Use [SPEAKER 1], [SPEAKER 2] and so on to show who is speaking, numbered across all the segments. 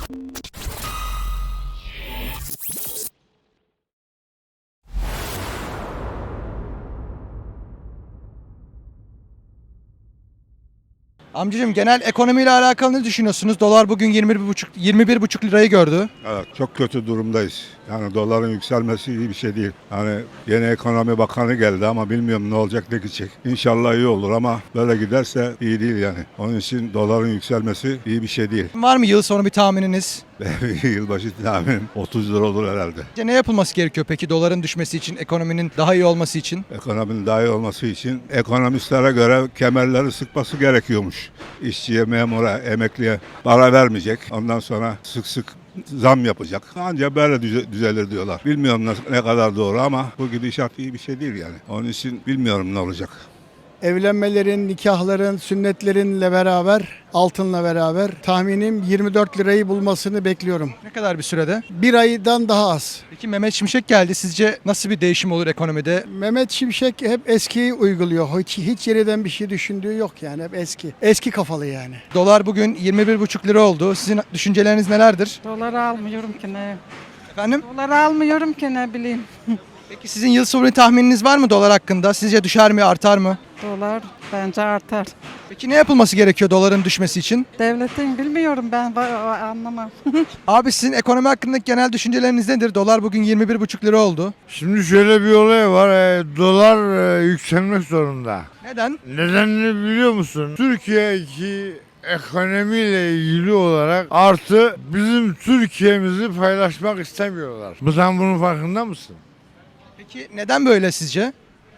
[SPEAKER 1] Amcacığım genel ekonomiyle alakalı ne düşünüyorsunuz? Dolar bugün 21,5 lirayı gördü.
[SPEAKER 2] Evet, çok kötü durumdayız. Yani doların yükselmesi iyi bir şey değil. Yani yeni ekonomi bakanı geldi ama bilmiyorum ne olacak ne gidecek. İnşallah iyi olur ama böyle giderse iyi değil yani. Onun için doların yükselmesi iyi bir şey değil.
[SPEAKER 1] Var mı yıl sonu bir tahmininiz?
[SPEAKER 2] Yılbaşı tahminim 30 lira olur herhalde.
[SPEAKER 1] Ne yapılması gerekiyor peki doların düşmesi için, ekonominin daha iyi olması için?
[SPEAKER 2] Ekonominin daha iyi olması için ekonomistlere göre kemerleri sıkması gerekiyormuş. İşçiye, memura, emekliye para vermeyecek. Ondan sonra sık sık zam yapacak. Ancak böyle düzelir diyorlar. Bilmiyorum ne kadar doğru ama bu gidişat iyi bir şey değil yani. Onun için bilmiyorum ne olacak.
[SPEAKER 3] Evlenmelerin, nikahların, sünnetlerinle beraber, altınla beraber tahminim 24 lirayı bulmasını bekliyorum.
[SPEAKER 1] Ne kadar bir sürede?
[SPEAKER 3] Bir aydan daha az.
[SPEAKER 1] Peki Mehmet Şimşek geldi. Sizce nasıl bir değişim olur ekonomide?
[SPEAKER 3] Mehmet Şimşek hep eskiyi uyguluyor. Hiç yeniden bir şey düşündüğü yok yani hep eski. Eski kafalı yani.
[SPEAKER 1] Dolar bugün 21,5 lira oldu. Sizin düşünceleriniz nelerdir?
[SPEAKER 4] Doları almıyorum ki ne?
[SPEAKER 1] Efendim?
[SPEAKER 4] Doları almıyorum ki ne bileyim.
[SPEAKER 1] Peki sizin yıl sonu tahmininiz var mı dolar hakkında? Sizce düşer mi, artar mı?
[SPEAKER 4] Dolar bence artar.
[SPEAKER 1] Peki ne yapılması gerekiyor doların düşmesi için?
[SPEAKER 4] Devletin bilmiyorum ben anlamam.
[SPEAKER 1] Abi sizin ekonomi hakkındaki genel düşünceleriniz nedir? Dolar bugün 21,5 lira oldu.
[SPEAKER 5] Şimdi şöyle bir olay var. Dolar yükselmek zorunda.
[SPEAKER 1] Neden?
[SPEAKER 5] Nedenini biliyor musun? Türkiye'deki ekonomiyle ilgili olarak artı bizim Türkiye'mizi paylaşmak istemiyorlar. Sen bunun farkında mısın?
[SPEAKER 1] Peki neden böyle sizce?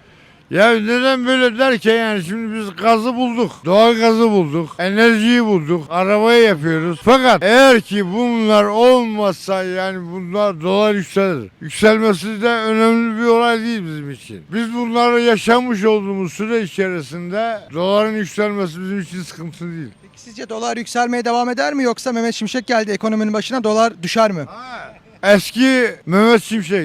[SPEAKER 5] Ya neden böyle derken yani şimdi biz gazı bulduk, doğal gazı bulduk, enerjiyi bulduk, arabayı yapıyoruz. Fakat eğer ki bunlar olmazsa yani bunlar dolar yükselir. Yükselmesi de önemli bir olay değil bizim için. Biz bunları yaşamış olduğumuz süre içerisinde doların yükselmesi bizim için sıkıntı değil.
[SPEAKER 1] Peki sizce dolar yükselmeye devam eder mi yoksa Mehmet Şimşek geldi ekonominin başına dolar düşer mi?
[SPEAKER 5] Eski Mehmet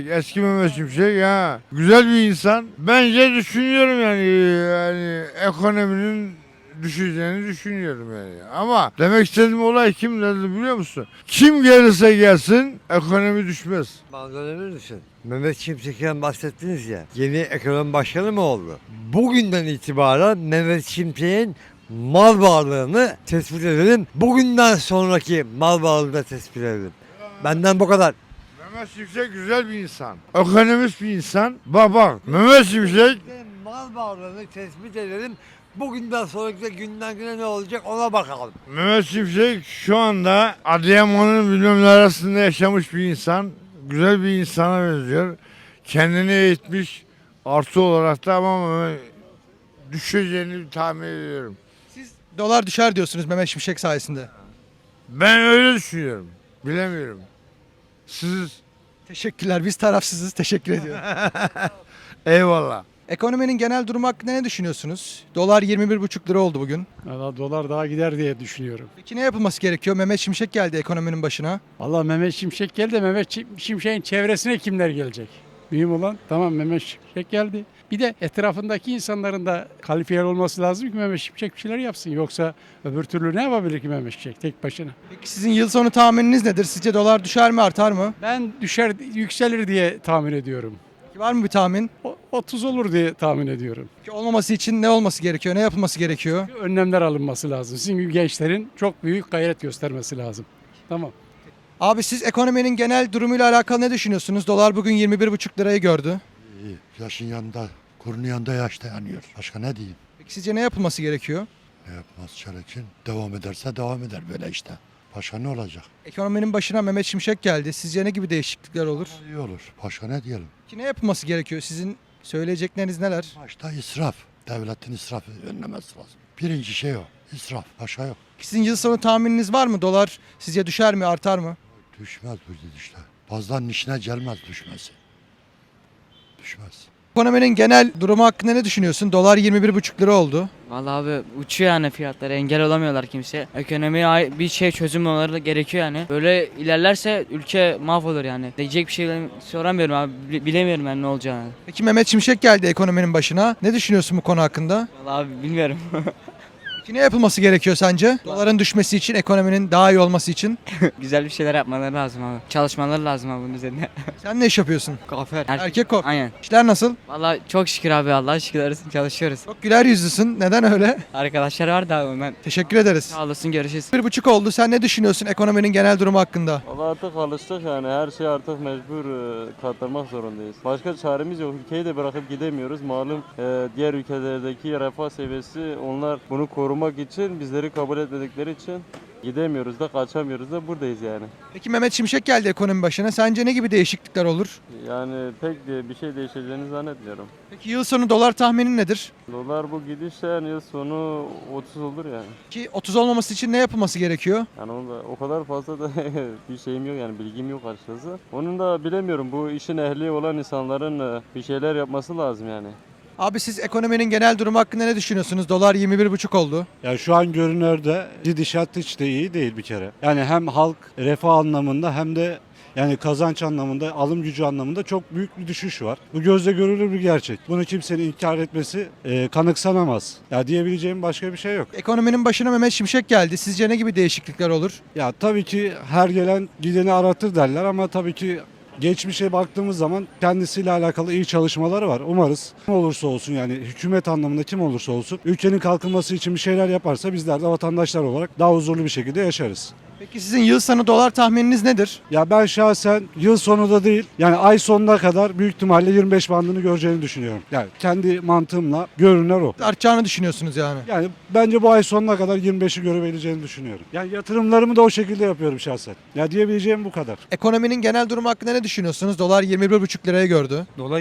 [SPEAKER 5] Şimşek ya güzel bir insan. Bence düşünüyorum yani ekonominin düşeceğini düşünüyorum yani. Ama demek istediğim olay kim dedi biliyor musun? Kim gelirse gelsin ekonomi düşmez.
[SPEAKER 6] Manzaraları düşün. Mehmet Şimşek'ten bahsettiniz ya. Yeni ekonomi başkanı mı oldu? Bugünden itibaren Mehmet Şimşek'in mal varlığını tespit edelim. Bugünden sonraki mal varlığını da tespit edelim. Benden bu kadar.
[SPEAKER 5] Mehmet Şimşek güzel bir insan. Ekonomist bir insan. Bak Mehmet Şimşek
[SPEAKER 6] Mal varlığını tespit edelim. Bugünden sonraki günden güne ne olacak ona bakalım.
[SPEAKER 5] Mehmet Şimşek şu anda Adıyaman'ın bilmem arasında yaşamış bir insan. Güzel bir insana benziyor. Kendini eğitmiş. Artı olarak da ama düşeceğini tahmin ediyorum.
[SPEAKER 1] Siz dolar düşer diyorsunuz Mehmet Şimşek sayesinde.
[SPEAKER 5] Ben öyle düşünüyorum. Bilemiyorum. Siz
[SPEAKER 1] Teşekkürler. Biz tarafsızız. Teşekkür ediyorum.
[SPEAKER 5] eyvallah.
[SPEAKER 1] Ekonominin genel durumu hakkında ne düşünüyorsunuz? Dolar 21,5 lira oldu bugün.
[SPEAKER 7] Valla dolar daha gider diye düşünüyorum.
[SPEAKER 1] Peki ne yapılması gerekiyor? Mehmet Şimşek geldi ekonominin başına.
[SPEAKER 7] Valla Mehmet Şimşek geldi de Mehmet Şimşek'in çevresine kimler gelecek? Mühim olan tamam Mehmet Şimşek geldi. Bir de etrafındaki insanların da kalifiye olması lazım ki Mehmet Şimşek bir şeyler yapsın. Yoksa öbür türlü ne yapabilir ki Mehmet Şimşek tek başına?
[SPEAKER 1] Peki sizin yıl sonu tahmininiz nedir? Sizce dolar düşer mi, artar mı?
[SPEAKER 7] Ben düşer yükselir diye tahmin ediyorum.
[SPEAKER 1] Peki var mı bir tahmin?
[SPEAKER 7] 30 olur diye tahmin ediyorum.
[SPEAKER 1] Peki olmaması için ne olması gerekiyor? Ne yapılması gerekiyor?
[SPEAKER 7] Önlemler alınması lazım. Sizin gibi gençlerin çok büyük gayret göstermesi lazım. Tamam.
[SPEAKER 1] Abi siz ekonominin genel durumuyla alakalı ne düşünüyorsunuz? Dolar bugün 21,5 lirayı gördü.
[SPEAKER 8] İyi. Yaşın yanında, kurunun yanında yaş dayanıyor. Başka ne diyeyim?
[SPEAKER 1] Peki sizce ne yapılması gerekiyor?
[SPEAKER 8] Ne yapmaz gerekin? Devam ederse devam eder böyle işte. Başka ne olacak?
[SPEAKER 1] Ekonominin başına Mehmet Şimşek geldi. Sizce ne gibi değişiklikler olur?
[SPEAKER 8] İyi olur. Başka ne diyelim?
[SPEAKER 1] Ki ne yapılması gerekiyor? Sizin söyleyecekleriniz neler?
[SPEAKER 8] Başta israf. Devletin israfı önlemesi lazım. Birinci şey o. İsraf. Başka yok.
[SPEAKER 1] Sizin yıl sonu tahmininiz var mı? Dolar sizce düşer mi, artar mı?
[SPEAKER 8] Düşmez bu gidişle. Bazılarının işine gelmez düşmesi. Düşmez.
[SPEAKER 1] Ekonominin genel durumu hakkında ne düşünüyorsun? Dolar 21,5 lira oldu.
[SPEAKER 9] Vallahi abi uçuyor yani fiyatlar, engel olamıyorlar kimse. Ekonomiye bir şey çözüm olmaları gerekiyor yani. Böyle ilerlerse ülke mahvolur yani. Diyecek bir şey soramıyorum abi, bilemiyorum yani ne olacağını.
[SPEAKER 1] Peki Mehmet Şimşek geldi ekonominin başına. Ne düşünüyorsun bu konu hakkında?
[SPEAKER 9] Vallahi abi bilmiyorum.
[SPEAKER 1] Peki ne yapılması gerekiyor sence? Doların düşmesi için, ekonominin daha iyi olması için.
[SPEAKER 9] Güzel bir şeyler yapmaları lazım abi. Çalışmaları lazım abi bunun üzerine.
[SPEAKER 1] Sen ne iş yapıyorsun?
[SPEAKER 9] Kuaför.
[SPEAKER 1] Erkek kok.
[SPEAKER 9] Aynen.
[SPEAKER 1] İşler nasıl?
[SPEAKER 9] Vallahi çok şükür abi Allah'a şükürler olsun çalışıyoruz.
[SPEAKER 1] Çok güler yüzlüsün. Neden öyle?
[SPEAKER 9] Arkadaşlar var da abi ben.
[SPEAKER 1] Teşekkür ederiz.
[SPEAKER 9] Sağ olasın görüşürüz.
[SPEAKER 1] 1,5 oldu. Sen ne düşünüyorsun ekonominin genel durumu hakkında?
[SPEAKER 10] Valla artık alıştık yani her şey artık mecbur katlanmak zorundayız. Başka çaremiz yok. Ülkeyi de bırakıp gidemiyoruz. Malum diğer ülkelerdeki refah seviyesi onlar bunu korumak için bizleri kabul etmedikleri için gidemiyoruz da kaçamıyoruz da buradayız yani.
[SPEAKER 1] Peki Mehmet Şimşek geldi ekonomi başına. Sence ne gibi değişiklikler olur?
[SPEAKER 10] Yani pek de bir şey değişeceğini zannetmiyorum.
[SPEAKER 1] Peki yıl sonu dolar tahminin nedir?
[SPEAKER 10] Dolar bu gidişle yani yıl sonu 30 olur yani.
[SPEAKER 1] Ki 30 olmaması için ne yapılması gerekiyor?
[SPEAKER 10] Yani o kadar fazla da bir şeyim yok yani bilgim yok açıkçası. Onun da bilemiyorum bu işin ehli olan insanların bir şeyler yapması lazım yani.
[SPEAKER 1] Abi siz ekonominin genel durumu hakkında ne düşünüyorsunuz? Dolar 21,5 oldu.
[SPEAKER 11] Ya şu an görünürde gidişat hiç de iyi değil bir kere. Yani hem halk refah anlamında hem de yani kazanç anlamında, alım gücü anlamında çok büyük bir düşüş var. Bu gözle görülür bir gerçek. Bunu kimsenin inkar etmesi kanıksanamaz. Ya diyebileceğim başka bir şey yok.
[SPEAKER 1] Ekonominin başına Mehmet Şimşek geldi. Sizce ne gibi değişiklikler olur?
[SPEAKER 11] Ya tabii ki her gelen gideni aratır derler ama tabii ki geçmişe baktığımız zaman kendisiyle alakalı iyi çalışmaları var. Umarız kim olursa olsun yani hükümet anlamında kim olursa olsun ülkenin kalkınması için bir şeyler yaparsa bizler de vatandaşlar olarak daha huzurlu bir şekilde yaşarız.
[SPEAKER 1] Peki sizin yıl sonu dolar tahmininiz nedir?
[SPEAKER 11] Ya ben şahsen yıl sonu da değil yani ay sonuna kadar büyük ihtimalle 25 bandını göreceğini düşünüyorum. Yani kendi mantığımla görünür o.
[SPEAKER 1] Artacağını düşünüyorsunuz yani.
[SPEAKER 11] Yani bence bu ay sonuna kadar 25'i görebileceğini düşünüyorum. Yani yatırımlarımı da o şekilde yapıyorum şahsen. Ya diyebileceğim bu kadar.
[SPEAKER 1] Ekonominin genel durumu hakkında ne düşünüyorsunuz? Dolar 21,5 liraya gördü.
[SPEAKER 12] Dolar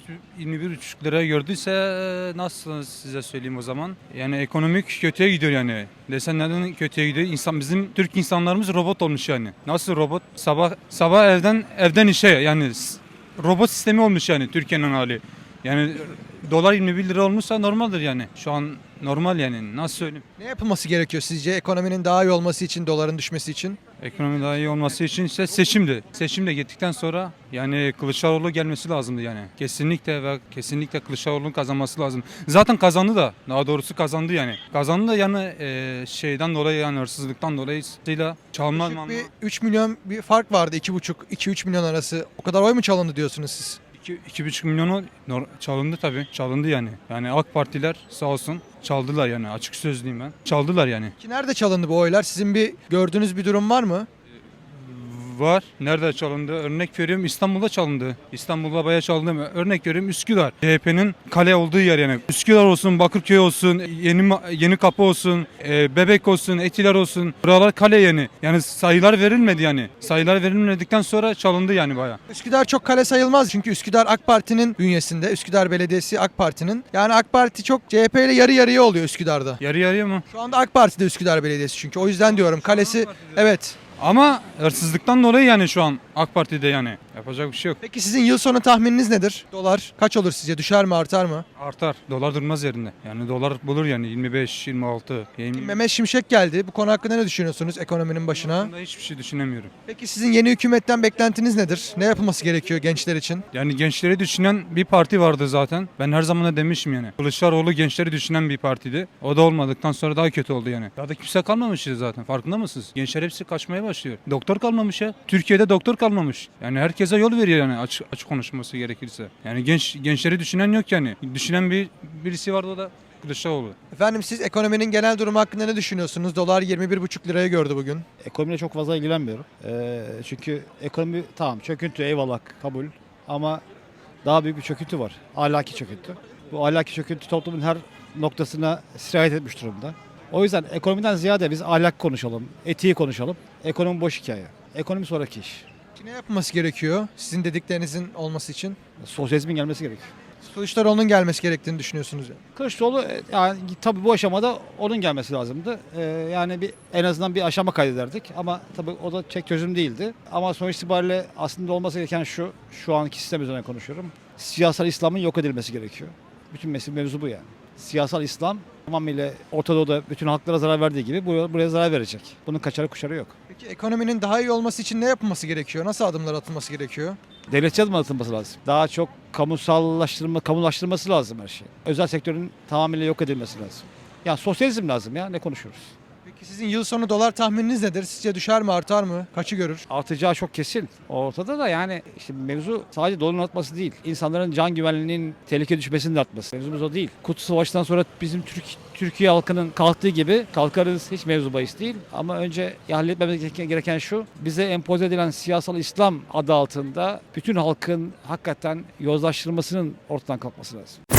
[SPEAKER 12] 21,5 liraya gördüyse nasıl size söyleyeyim o zaman? Yani ekonomik kötüye gidiyor yani. Desen neden kötüye gidiyor? Bizim Türk insanlarımız robot olmuş yani. Nasıl robot? Sabah evden işe yani robot sistemi olmuş yani Türkiye'nin hali. Yani dolar 21 lira olmuşsa normaldir yani. Şu an normal yani. Nasıl söyleyeyim?
[SPEAKER 1] Ne yapılması gerekiyor sizce ekonominin daha iyi olması için, doların düşmesi için?
[SPEAKER 12] Ekonomi daha iyi olması için işte seçimdi. Seçim de gittikten sonra yani Kılıçdaroğlu gelmesi lazımdı yani. Kesinlikle Kılıçdaroğlu'nun kazanması lazım. Zaten kazandı da. Daha doğrusu kazandı yani. Kazandı da yani şeyden dolayı yani hırsızlıktan dolayısıyla çalma
[SPEAKER 1] Küçük bir 3 milyon bir fark vardı. 2,5-2-3 milyon arası. O kadar oy mu çalındı diyorsunuz siz?
[SPEAKER 12] 2,5 milyonu çalındı tabii. Çalındı yani. Yani AK Partiler sağ olsun çaldılar yani. Açık sözlüyüm ben. Çaldılar yani.
[SPEAKER 1] Ki nerede çalındı bu oylar? Sizin bir gördüğünüz bir durum var mı?
[SPEAKER 12] Var. Nerede çalındı? Örnek veriyorum İstanbul'da çalındı. İstanbul'da bayağı çalındı. Örnek veriyorum Üsküdar. CHP'nin kale olduğu yer yani. Üsküdar olsun, Bakırköy olsun, Yeni Kapı olsun, Bebek olsun, Etiler olsun. Buralar kale yani. Yani sayılar verilmedi yani. Sayılar verilmedikten sonra çalındı yani bayağı.
[SPEAKER 1] Üsküdar çok kale sayılmaz. Çünkü Üsküdar AK Parti'nin bünyesinde. Üsküdar Belediyesi AK Parti'nin. Yani AK Parti çok CHP ile yarı yarıya oluyor Üsküdar'da.
[SPEAKER 12] Yarı yarıya mı?
[SPEAKER 1] Şu anda AK Parti'de Üsküdar Belediyesi çünkü. O yüzden diyorum kalesi evet.
[SPEAKER 12] Ama hırsızlıktan dolayı yani şu an AK Parti'de yani. Yapacak bir şey yok.
[SPEAKER 1] Peki sizin yıl sonu tahmininiz nedir? Dolar kaç olur sizce? Düşer mi, artar mı?
[SPEAKER 12] Artar. Dolar durmaz yerinde. Yani dolar bulur yani 25, 26.
[SPEAKER 1] Mehmet Şimşek geldi. Bu konu hakkında ne düşünüyorsunuz ekonominin başına?
[SPEAKER 12] Bunda hiçbir şey düşünemiyorum.
[SPEAKER 1] Peki sizin yeni hükümetten beklentiniz nedir? Ne yapılması gerekiyor gençler için?
[SPEAKER 12] Yani gençleri düşünen bir parti vardı zaten. Ben her zaman da demişim yani. Kılıçdaroğlu gençleri düşünen bir partiydi. O da olmadıktan sonra daha kötü oldu yani. Ya da kimse kalmamış zaten. Farkında mısınız? Gençler hepsi kaçmaya başlıyor. Doktor kalmamış ya. Türkiye'de doktor kalmamış. Yani herkese yol veriyor yani açık konuşması gerekirse. Yani gençleri düşünen yok yani. Düşünen birisi vardı, o da Kılıçdaroğlu.
[SPEAKER 1] Efendim siz ekonominin genel durumu hakkında ne düşünüyorsunuz? Dolar 21,5 liraya gördü bugün.
[SPEAKER 13] Ekonomiyle çok fazla ilgilenmiyorum. Çünkü ekonomi tamam çöküntü eyvallah kabul ama daha büyük bir çöküntü var. Ahlaki çöküntü. Bu ahlaki çöküntü toplumun her noktasına sirayet etmiş durumda. O yüzden ekonomiden ziyade biz ahlak konuşalım, etiği konuşalım. Ekonomi boş hikaye. Ekonomi sonraki iş.
[SPEAKER 1] Ne yapılması gerekiyor sizin dediklerinizin olması için?
[SPEAKER 13] Sosyalizmin gelmesi gerekiyor.
[SPEAKER 1] Kılıçdaroğlu'nun gelmesi gerektiğini düşünüyorsunuz yani.
[SPEAKER 13] Kılıçdaroğlu yani tabii bu aşamada onun gelmesi lazımdı. Yani en azından bir aşama kaydederdik ama tabii o da tek çözüm değildi. Ama sonuç itibariyle aslında olması gereken şu anki sistem üzerine konuşuyorum. Siyasal İslam'ın yok edilmesi gerekiyor. Bütün mevzu bu yani. Siyasal İslam tamamıyla Orta Doğu'da bütün halklara zarar verdiği gibi buraya zarar verecek. Bunun kaçarı kuşarı yok.
[SPEAKER 1] Peki ekonominin daha iyi olması için ne yapılması gerekiyor? Nasıl adımlar atılması gerekiyor?
[SPEAKER 13] Devletçi adım atılması lazım. Daha çok kamulaştırması lazım her şey. Özel sektörün tamamıyla yok edilmesi lazım. Yani sosyalizm lazım ya, ne konuşuyoruz?
[SPEAKER 1] Peki sizin yıl sonu dolar tahmininiz nedir? Sizce düşer mi, artar mı? Kaçı görür?
[SPEAKER 13] Artacağı çok kesin. Ortada da yani işte mevzu sadece doların artması değil. İnsanların can güvenliğinin tehlike düşmesinin de artması. Mevzumuz o değil. Kurtuluş Savaşı'ndan sonra bizim Türkiye halkının kalktığı gibi kalkarız, hiç mevzu bahis değil. Ama önce halletmemiz gereken şu, bize empoze edilen siyasal İslam adı altında bütün halkın hakikaten yozlaştırılmasının ortadan kalkması lazım.